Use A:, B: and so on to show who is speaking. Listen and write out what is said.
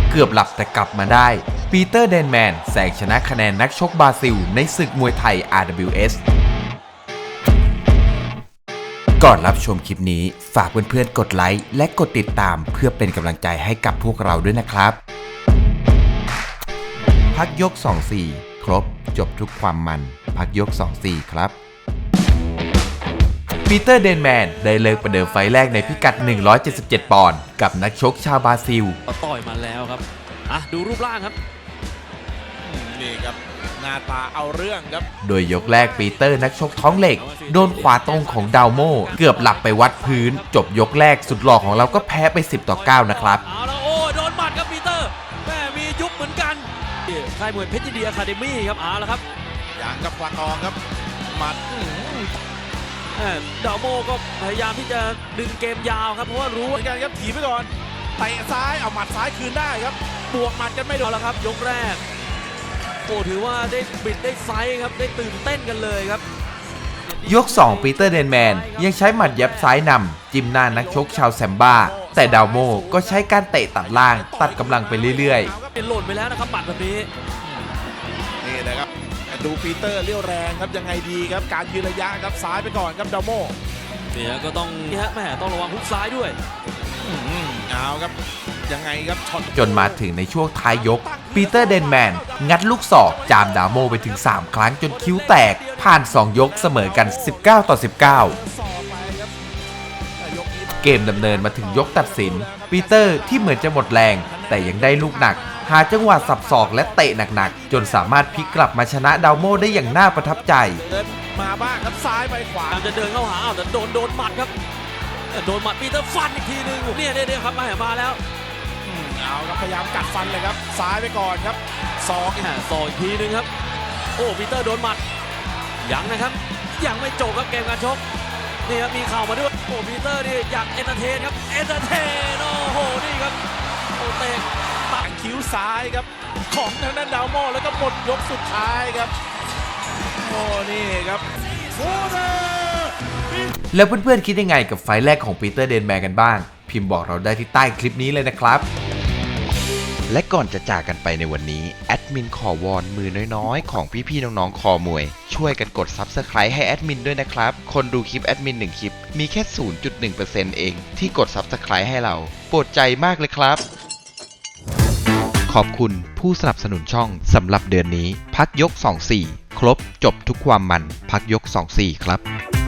A: เกือบหลับแต่กลับมาได้ปีเตอร์เดนแมนแซงชนะคะแนนนักชกบราซิลในศึกมวยไทย RWS ก่อนรับชมคลิปนี้ฝากเพื่อนๆกดไลค์และกดติดตามเพื่อเป็นกำลังใจให้กับพวกเราด้วยนะครับพักยก 2-4 ครบจบทุกความมันพักยก 2-4 ครับปีเตอร์เดนแมนได้เลิกประเดิมไฟแรกในพิกัด 177 ปอนด์กับนักชกชาวบราซิล
B: ต่อยมาแล้วครับดูรูปร่างครับ
C: นี่ครับหน้าตาเอาเรื่องครับ
A: โดยยกแรกปีเตอร์นักชกท้องเหล็กโดนขวาตรงของดาวโมเกือบหลับไปวัดพื้นจบยกแรกสุดหล่อของเราก็แพ้ไป10-9นะครับ
B: เอาละโอ้โดนหมัดครับปีเตอร์แม่มียุบเหมือนกันค่ายมวยเพชรยินดีอะคาเดมี่ครับเอาละครับ
C: อย่างกับควาตองครับหมัด
B: ดาวโมก็พยายามที่จะดึงเกมยาวครับเพราะว่ารู้
C: เหมือนกันครับถีบไปก่อนเตะซ้ายเอาหมัดซ้ายคืนได้ครับบวกหมัดกันไม่โดน
B: แล้วครับยกแรกโอ้ถือว่าได้บิดได้ไซส์ครับได้ตื่นเต้นกันเลยครับ
A: ยก 2 ปีเตอร์เดนแมนยังใช้หมัดยับซ้ายนำจิ้มหน้านักชกชาวแซมบ้าแต่ดาวโมก็ใช้การเตะตัดล่างตัดกำลังไปเรื่อย
B: ๆเป็นหล่นไปแล้วนะครับหมัดแบบนี้
C: นี่นะครับดูปีเตอร์เลี้ยวแรงครับยังไงดีครับการยืนระยะครับซ้ายไปก่อนครับดาวโม
B: เนี่ยก็ต้องแม่ต้องระวังฮุกซ้ายด้วย
C: เอาครับยังไงครับ
A: จนมาถึงในช่วงท้ายยกปีเตอร์เดนแมนงัดลูกศอกจามดาวโมไปถึง3ครั้งจนคิ้วแตกผ่าน2ยกเสมอกัน19-19เกมดำเนินมาถึงยกตัดสินปีเตอร์ที่เหมือนจะหมดแรงแต่ยังได้ลูกหนักหาจังหวะสับศอกและเตะหนักๆจนสามารถพลิกกลับมาชนะดาวโมได้อย่างน่าประทับใจ
C: มาบ้างครับซ้ายไปขวา
B: จะเดินเข้าหาแต่โดนหมัดครับโดนหมัดปีเตอร์ฟันอีกทีนึงเนี่ยครับมาแล้ว
C: เอาครับพยายามกัดฟันเลยครับซ้ายไปก่อนครับศอก
B: อีกทีนึงครับโอ้ปีเตอร์โดนหมัดยังนะครับยังไม่จบครับเกมการชกนี่ครับมีเข่ามาด้วยโอ้ปีเตอร์นี่อยากเอนเตอร์เทนครับเอนเตอร์เทนโอ้โหนี่ครับโอ้เตะ
C: ต่างคิ้วซ้ายครับของทางด้านดาวโมแล้วก็หมดยกสุดท้ายครับโอ้นี่ครับ
A: แล้วเพื่อนๆคิดยังไงกับไฟล์แรกของปีเตอร์เดนแมนกันบ้างพิมพ์บอกเราได้ที่ใต้คลิปนี้เลยนะครับและก่อนจะจากกันไปในวันนี้แอดมินขอวอนมือน้อยๆของพี่ๆน้องๆคอมวยช่วยกันกด Subscribe ให้แอดมินด้วยนะครับคนดูคลิปแอดมิน1คลิปมีแค่ 0.1% เองที่กด Subscribe ให้เราโปรดใจมากเลยครับขอบคุณผู้สนับสนุนช่องสำหรับเดือนนี้พักยก 2-4 ครบจบทุกความมันพักยก 2-4 ครับ